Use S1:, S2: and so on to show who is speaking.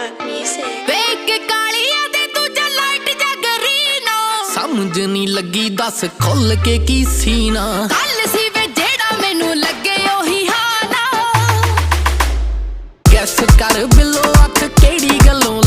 S1: ਵੇਖ ਕੇ ਕਾਲੀਆਂ ਦੇ ਦੂਜਾ ਲਾਈਟ ਜਗਰੀ ਨਾ
S2: ਸਮਝ ਨਹੀਂ ਲੱਗੀ ਦੱਸ ਖੁੱਲ ਕੇ ਕੀ ਸੀਨਾ
S1: ਕੱਲ ਸੀ ਵੇ ਜਿਹੜਾ ਮੈਨੂੰ ਲੱਗੇ ਉਹੀ ਹਾਨਾ
S2: ਗੈਸ ਕਰ ਬਿੱਲੋ ਅੱਖ ਕਿਹੜੀ ਗੱਲੋਂ